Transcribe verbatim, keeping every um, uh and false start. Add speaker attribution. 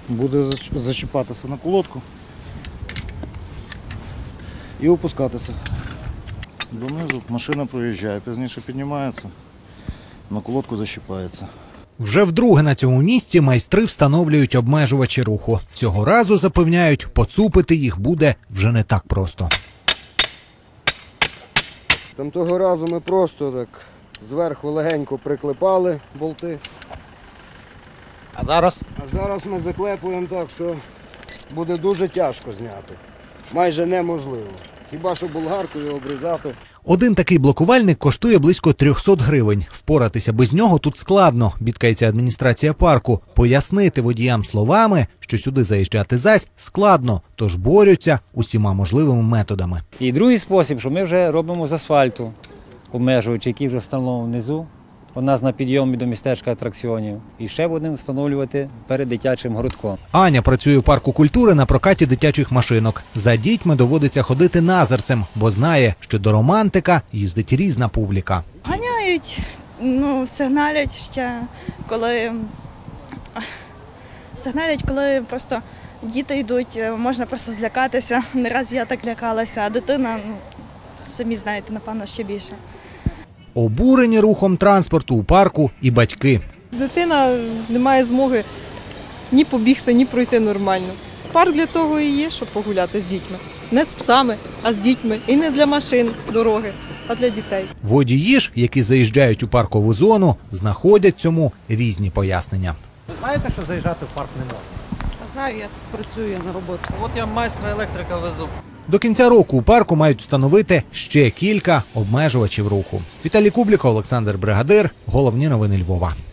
Speaker 1: буде зачіпатися на колодку і опускатися донизу. Машина проїжджає, пізніше піднімається, на колодку защіпається.
Speaker 2: Вже вдруге на цьому місці майстри встановлюють обмежувачі руху. Цього разу, запевняють, поцупити їх буде вже не так просто.
Speaker 3: Там того разу ми просто так зверху легенько приклепали болти.
Speaker 1: А зараз?
Speaker 3: А зараз ми заклепуємо так, що буде дуже тяжко зняти. Майже неможливо. Хіба що болгаркою обрізати.
Speaker 2: Один такий блокувальник коштує близько трьохсот гривень. Впоратися без нього тут складно, бідкається адміністрація парку. Пояснити водіям словами, що сюди заїжджати зась, складно, тож борються усіма можливими методами.
Speaker 4: І другий спосіб, що ми вже робимо з асфальту, обмежуючи, який вже встановлено внизу. У нас на підйомі до містечка атракціонів. І ще будемо встановлювати перед дитячим городком.
Speaker 2: Аня працює у парку культури на прокаті дитячих машинок. За дітьми доводиться ходити назирцем, бо знає, що до романтика їздить різна публіка.
Speaker 5: Ганяють, ну, сигналять ще, коли сигналять, коли просто діти йдуть, можна просто злякатися. Не раз я так лякалася, а дитина, ну, самі знаєте, напевно, ще більше.
Speaker 2: Обурені рухом транспорту у парку і батьки.
Speaker 6: Дитина не має змоги ні побігти, ні пройти нормально. Парк для того і є, щоб погуляти з дітьми. Не з псами, а з дітьми. І не для машин дороги, а для дітей.
Speaker 2: Водії ж, які заїжджають у паркову зону, знаходять цьому різні пояснення.
Speaker 7: Ви знаєте, що заїжджати в парк не можна?
Speaker 6: Знаю, я тут працюю на роботі.
Speaker 7: От я майстра електрика везу.
Speaker 2: До кінця року у парку мають встановити ще кілька обмежувачів руху. Віталій Кубліков, Олександр Бригадир. Головні новини Львова.